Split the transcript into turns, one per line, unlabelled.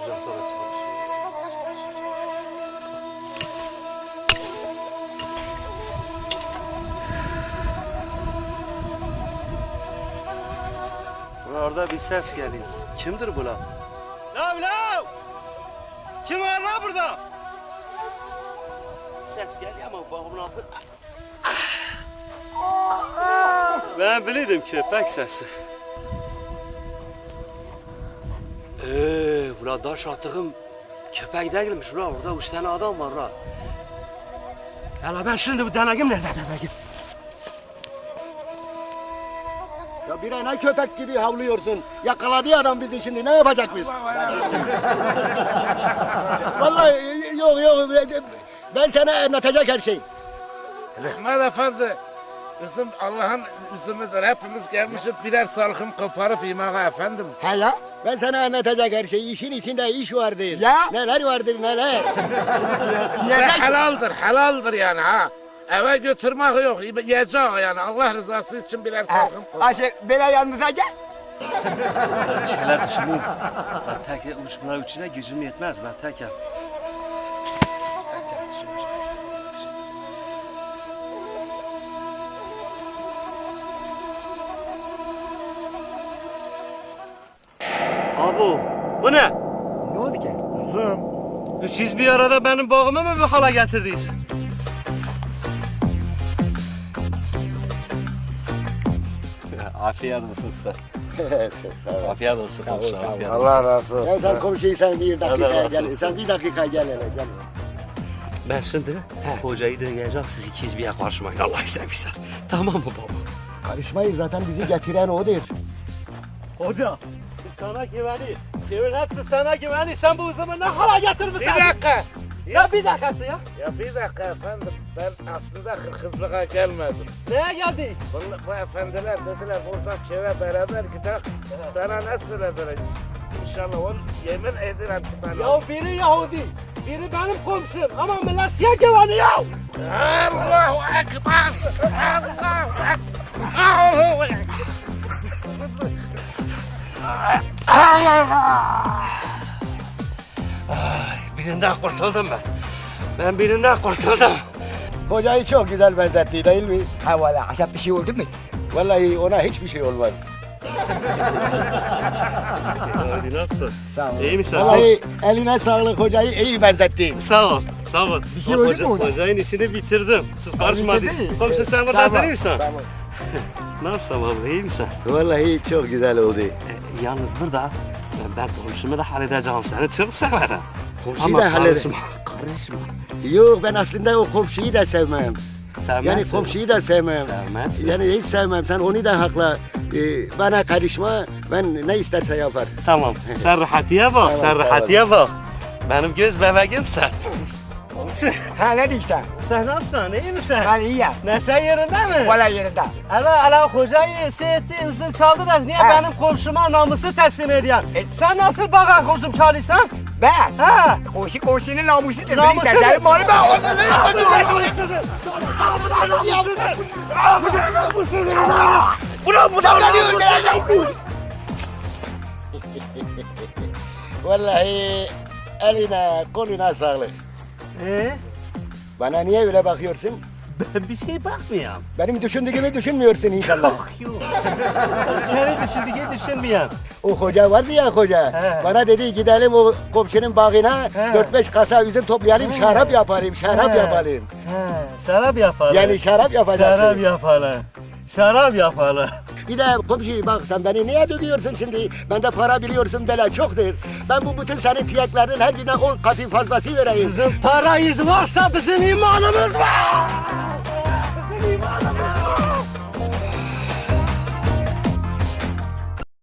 sıcaklara çalışıyor. Orada bir ses geliyor. Kimdir bu lan? Lav lav! Kim var lan burada? Ses geliyor ama bağımın altı... Ben biliyordum köpek sesi. Ula daş attığım köpek değilmiş ula. Orada 3 tane adam var ula. Hala ben şimdi bu denegim nerede denegim?
Ya bir ne köpek gibi havlıyorsun. Yakaladı adam bizi şimdi. Ne yapacak biz? Vallahi yok. Ben sana anlatacak her şey.
Rahmet Efendi, bizim Allah'ın yüzümüzdür. Hepimiz gelmişiz birer salkım koparıp yemeğe efendim.
He ya? Ben sana anlatacak her şey. İşin içinde iş vardır.
Ya?
Neler vardır neler.
Helaldir yani ha. Eve götürmek yok, yiyecek yani. Allah rızası için birer salkım kopar.
Aşık böyle yanımıza gel.
Bir şeyler düşüneyim. Ben tek bunlar üçüne gücüm yetmez. Ben tekim. Abu, bu ne?
Ne oldu ki?
Kızım,
Siz bir arada benim bağımı mı bir hala getirdiniz? Afiyet olsun size. Afiyet olsun. Afiyet
Allah razı olsun.
Ya sen komşuyu sen bir
Allah
dakika
razı
gel.
olsun.
Sen bir dakika gel hele gel.
Ben şimdi hocayı deneyeceğim. Siz ikiniz bir yer karışmayın. Allah seversen. Tamam mı baba?
Karışmayın zaten bizi getiren odur.
Hoca. Sana güveni. Kimin hepsi sana güveni. Sen bu zaman ne hala getirmişsin?
Bir dakika.
Ya bir dakikası ya.
Ya bir dakika efendim, ben aslında kırkızlığa gelmedim.
Neye geldi?
Bu efendiler dediler buradan köye beraber gidelim. Sana ne söylediler? İnşallah onu yemin ederim ki ben...
Ya biri Yahudi. Biri benim komşum. Ama millet size güveniyor.
Allahu Ekber! Allahu Ekber! Allahu Ekber!
Birinden kurtuldum ben. Ben birinden kurtuldum.
Kocayı çok güzel benzetti değil mi?
Ha valla acaba bir şey oldu mu?
Vallahi ona hiçbir şey olmaz.
Hadi nasılsın?
Sağ ol.
İyi misin?
Vallahi eline sağlık hocayı iyi benzettin.
Sağ ol. Sağ ol.
Bir şey oldu mu orada?
Hocayın işini bitirdim. Siz karışmadınız.
bitirdin mi?
Komşu sen burada
Tamam,
misin?
tamam.
Nasılsın baba? İyi misin?
Vallahi çok güzel oldu.
Yalnız burada ben komşumu da halledeceğim seni. Çok severim.
Komşuyu
Ama
da halledin.
karışma. Karışma.
Yok ben aslında o komşuyu da sevmem.
Sevmezsin.
Yani komşuyu da sevmem.
Sevmezsin.
Yani hiç sevmem. Sen onu da hakla. Bana karışma. Ben ne isterse yapar.
Tamam. Sen rahatiye bak.
Tamam,
sen
tamam.
rahatiye bak. Benim göz bebeğimsin. Komşu.
Ha ne diyeceksin?
Sen nasılsın? İyi misin?
Ben iyiyim.
Neşe yerinde mi?
Valla yerinde.
Ala hocayı şey etti, üzüm çaldınız. Niye
He.
benim komşuma namusu teslim ediyorsun? Sen nasıl bana komşum çalıyorsan?
Ben?
Ha?
Komşunun namusudur.
Namusu
Beni istersen malı ben
Vallahi eline koluna sağlık. Bana niye öyle bakıyorsun?
Ben bir şey bakmıyorum.
Benim düşündüğüm gibi düşünmüyorsun inşallah.
Yok. Seni düşündüğü düşünmüyorum.
O hoca vardı ya hoca.
He.
Bana dedi gidelim o komşunun bağına
He.
4-5 kasa üzüm toplayalım, şarap yapalım, şarap
He.
yapalım.
He, şarap yapalım.
Yani şarap yapacağız.
Şarap yapalım. Şarap yapalım.
Bir de komşu bak sen beni niye dövüyorsun şimdi? Bende para biliyorsun bela çoktur. Ben bu bütün senin tiyeklerin her birine 10 katı fazlası vereyim.
Bizim parayız varsa bizim imanımız var. Bizim imanımız